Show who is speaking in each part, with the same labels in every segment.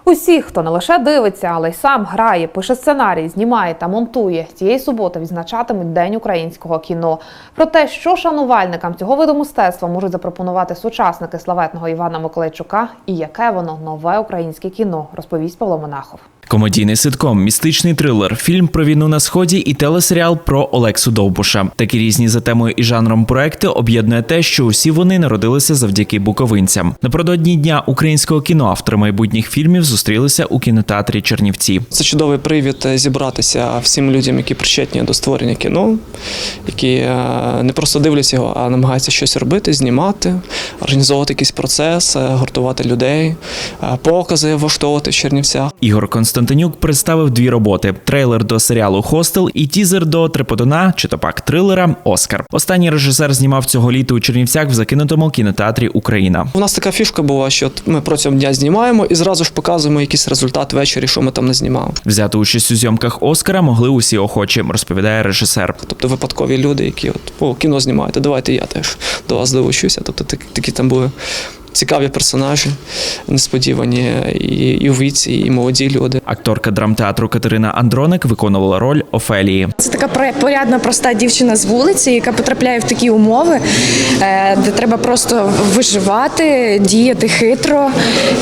Speaker 1: Усі, хто не лише дивиться, але й сам грає, пише сценарій, знімає та монтує. Цієї суботи відзначатимуть День українського кіно. Про те, що шанувальникам цього виду мистецтва можуть запропонувати сучасники славетного Івана Миколайчука і яке воно нове українське кіно, розповість Павло Монахов.
Speaker 2: Комедійний ситком, містичний трилер, фільм про війну на Сході і телесеріал про Олексу Довбуша. Такі різні за темою і жанром проекти об'єднує те, що усі вони народилися завдяки буковинцям. Напередодні Дня українського кіно автори майбутніх фільмів зустрілися у кінотеатрі Чернівці.
Speaker 3: Це чудовий привід зібратися всім людям, які причетні до створення кіно, які не просто дивляться його, а намагаються щось робити, знімати, організовувати якийсь процес, гуртувати людей, покази влаштовувати в Чернівцях.
Speaker 2: Ігор Константинюк представив дві роботи – трейлер до серіалу «Хостел» і тізер до триподона, чи то пак трилера «Оскар». Останній режисер знімав цього літа у Чернівцях в закинутому кінотеатрі «Україна».
Speaker 3: У нас така фішка була, що ми протягом дня знімаємо і зразу ж показуємо якийсь результат ввечері, що ми там не знімали.
Speaker 2: Взяти участь у зйомках «Оскара» могли усі охочі, розповідає режисер.
Speaker 3: Тобто випадкові люди, які кіно знімаєте, давайте я теж до вас долучуся. Тобто такі там були цікаві персонажі, несподівані і у віці, і молоді люди.
Speaker 2: Акторка драмтеатру Катерина Андроник виконувала роль Офелії.
Speaker 4: Це така порядна, проста дівчина з вулиці, яка потрапляє в такі умови, де треба просто виживати, діяти хитро,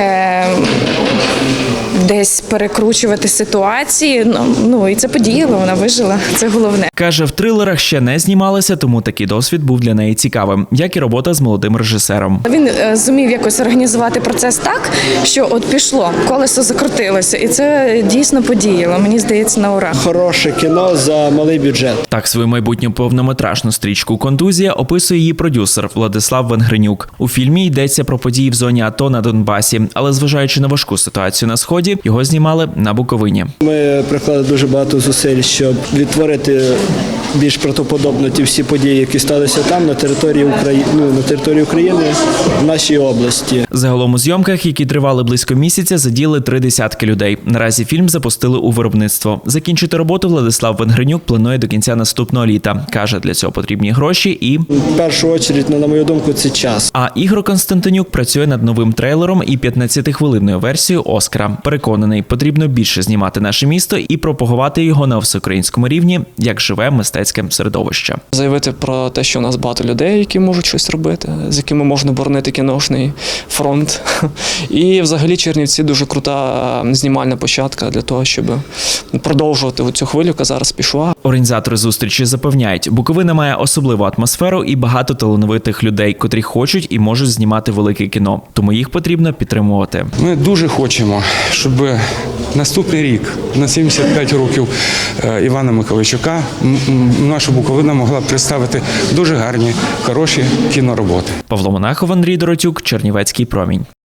Speaker 4: десь перекручувати ситуації. І це подіяло, вона вижила, це головне.
Speaker 2: Каже, в трилерах ще не знімалася, тому такий досвід був для неї цікавим, як і робота з молодим режисером.
Speaker 4: Він зумів якось організувати процес так, що от пішло, колесо закрутилося, і це дійсно подіяло, мені здається, на ура.
Speaker 5: Хороше кіно за малий бюджет.
Speaker 2: Так свою майбутню повнометражну стрічку «Контузія» описує її продюсер Владислав Венгренюк. У фільмі йдеться про події в зоні АТО на Донбасі, але зважаючи на важку ситуацію на Сході, його знімали на Буковині.
Speaker 5: Ми приклали дуже багато зусиль, щоб відтворити більш правдоподобно ті всі події, які сталися там, на території України, в нашій області.
Speaker 2: Загалом у зйомках, які тривали близько місяця, задіяли 30 людей. Наразі фільм запустили у виробництво. Закінчити роботу Владислав Венгренюк планує до кінця наступного літа. Каже, для цього потрібні гроші і...
Speaker 5: В першу чергу, на мою думку, це час.
Speaker 2: А Ігор Константинюк працює над новим трейлером і 15-хвилинною версією «Оскара». Переконаний, потрібно більше знімати наше місто і пропагувати його на всеукраїнському рівні, як живе мистецьке середовище.
Speaker 3: Заявити про те, що у нас багато людей, які можуть щось робити, з якими можна боронити кіношний фронт. І взагалі Чернівці дуже крута знімальна площадка для того, щоб продовжувати цю хвилю, яка зараз пішла.
Speaker 2: Організатори зустрічі запевняють, Буковина має особливу атмосферу і багато талановитих людей, котрі хочуть і можуть знімати велике кіно. Тому їх потрібно підтримувати.
Speaker 6: Ми дуже хочемо, щоб наступний рік, на 75 років Івана Миколайчука, наша Буковина могла представити дуже гарні, хороші кінороботи.
Speaker 2: Павло Монахов, Андрій Доротюк, Чернівецький промінь.